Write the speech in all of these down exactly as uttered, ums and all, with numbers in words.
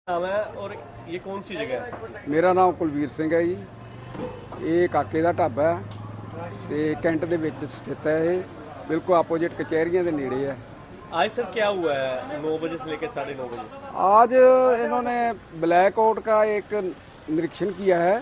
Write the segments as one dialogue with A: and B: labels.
A: नाम है और ये कौन सी जगह है?
B: ਮੇਰਾ ਨਾਮ ਕੁਲਵੀਰ ਸਿੰਘ ਹੈ ਜੀ। ਇਹ ਕਾਕੇ ਦਾ ਢਾਬਾ ਹੈ ਤੇ ਕੈਂਟ ਦੇ ਵਿੱਚ ਸਥਿਤ ਹੈ। ਇਹ ਬਿਲਕੁਲ ਆਪੋजिट कचहरियां ਦੇ ਨੇੜੇ है।
A: आज सर क्या हुआ है नौ बजे से लेकर साढ़े नौ बजे?
B: आज इन्होंने ब्लैक आउट का एक निरीक्षण किया है,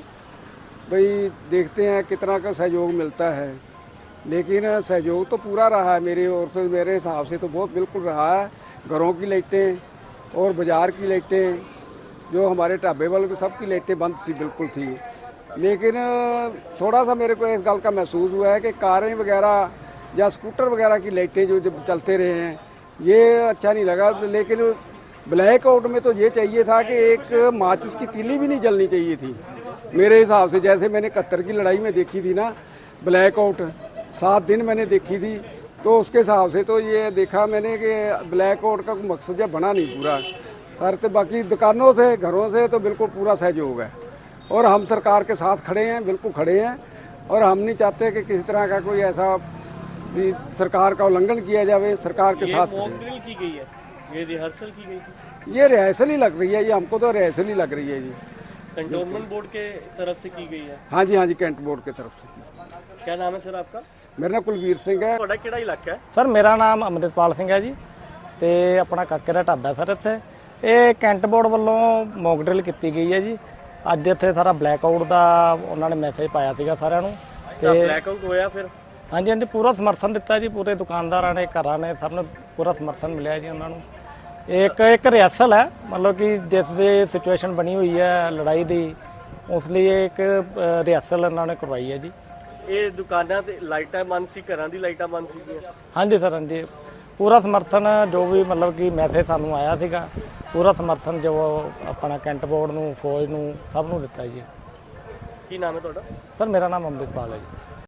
B: भाई देखते हैं कितना का सहयोग मिलता है। लेकिन सहयोग तो पूरा रहा है मेरे ओर से, मेरे हिसाब से तो बहुत बिल्कुल रहा है। घरों की लाइटें और बाज़ार की लाइटें, जो हमारे ढाबे वालों की सबकी लाइटें बंद सी बिल्कुल थी। लेकिन थोड़ा सा मेरे को इस गल का महसूस हुआ है कि कारें वगैरह या स्कूटर वगैरह की लाइटें जो जब चलते रहे हैं, ये अच्छा नहीं लगा। लेकिन ब्लैक आउट में तो ये चाहिए था कि एक माचिस की तीली भी नहीं जलनी चाहिए थी मेरे हिसाब से। जैसे मैंने इकहत्तर की लड़ाई में देखी थी ना ब्लैक आउट, सात दिन मैंने देखी थी, तो उसके हिसाब से तो ये देखा मैंने कि ब्लैक आउट का मकसद जब बना नहीं पूरा सर। तो बाकी दुकानों से घरों से तो बिल्कुल पूरा सहयोग है और हम सरकार के साथ खड़े हैं, बिल्कुल खड़े हैं। और हम नहीं चाहते कि किसी तरह का कोई ऐसा भी सरकार का उल्लंघन किया जाए। सरकार के साथ
A: मॉक ड्रिल की गई है, ये रिहर्सल की गई थी?
B: ये रिहर्सल ही लग रही है, ये हमको तो रिहर्सल ही लग रही है जी।
A: कंटोनमेंट बोर्ड के तरफ से की गई है?
B: हाँ जी, हाँ जी, कैंट बोर्ड की तरफ से।
A: क्या नाम है सर आपका?
B: मेरा नाम कुलवीर सिंह है।
A: ਤੁਹਾਡਾ ਕਿਹੜਾ ਇਲਾਕਾ ਹੈ?
C: ਸਰ ਮੇਰਾ ਨਾਮ ਅੰਮ੍ਰਿਤਪਾਲ ਸਿੰਘ ਹੈ ਜੀ ਤੇ ਆਪਣਾ ਕਾਕੇ ਦਾ ਢਾਬਾ ਸਰ ਇੱਥੇ। ਇਹ ਕੈਂਟ ਬੋਰਡ ਵੱਲੋਂ ਮੌਕ ਡਰਿਲ ਕੀਤੀ ਗਈ ਹੈ ਜੀ। ਅੱਜ ਇੱਥੇ ਸਾਰਾ ਬਲੈਕ ਆਊਟ ਦਾ ਉਹਨਾਂ ਨੇ ਮੈਸੇਜ ਪਾਇਆ ਸੀਗਾ ਸਾਰਿਆਂ ਨੂੰ
A: ਤੇ ਬਲੈਕ ਆਊਟ ਹੋਇਆ ਫਿਰ?
C: ਹਾਂਜੀ ਹਾਂਜੀ, ਪੂਰਾ ਸਮਰਥਨ ਦਿੱਤਾ ਜੀ। ਪੂਰੇ ਦੁਕਾਨਦਾਰਾਂ ਨੇ, ਘਰਾਂ ਨੇ, ਸਭ ਨੂੰ ਪੂਰਾ ਸਮਰਥਨ ਮਿਲਿਆ ਜੀ ਉਹਨਾਂ ਨੂੰ। ਇੱਕ ਇੱਕ ਰਿਹਰਸਲ ਹੈ, ਮਤਲਬ ਕਿ ਜਿਸ ਦੀ ਸਿਚੁਏਸ਼ਨ ਬਣੀ ਹੋਈ ਹੈ ਲੜਾਈ ਦੀ, ਉਸ ਲਈ ਇੱਕ ਰਿਹਰਸਲ ਇਹਨਾਂ ਨੇ ਕਰਵਾਈ ਹੈ ਜੀ।
A: ਇਹ ਦੁਕਾਨਾਂ ਤੇ ਲਾਈਟਾਂ ਬੰਦ ਸੀ, ਘਰਾਂ ਦੀ ਲਾਈਟਾਂ ਬੰਦ ਸੀਗੀਆਂ?
C: ਹਾਂਜੀ ਸਰ, ਹਾਂਜੀ, ਪੂਰਾ ਸਮਰਥਨ ਜੋ ਵੀ ਮਤਲਬ ਕਿ ਮੈਸੇਜ ਸਾਨੂੰ ਆਇਆ ਸੀਗਾ, ਪੂਰਾ ਸਮਰਥਨ ਜੋ ਆਪਣਾ ਕੈਂਟ ਬੋਰਡ ਨੂੰ, ਫੌਜ ਨੂੰ, ਸਭ ਨੂੰ ਦਿੱਤਾ ਜੀ।
A: ਕੀ ਨਾਮ ਹੈ ਤੁਹਾਡਾ?
C: ਸਰ ਮੇਰਾ ਨਾਮ ਅੰਮ੍ਰਿਤਪਾਲ ਹੈ ਜੀ।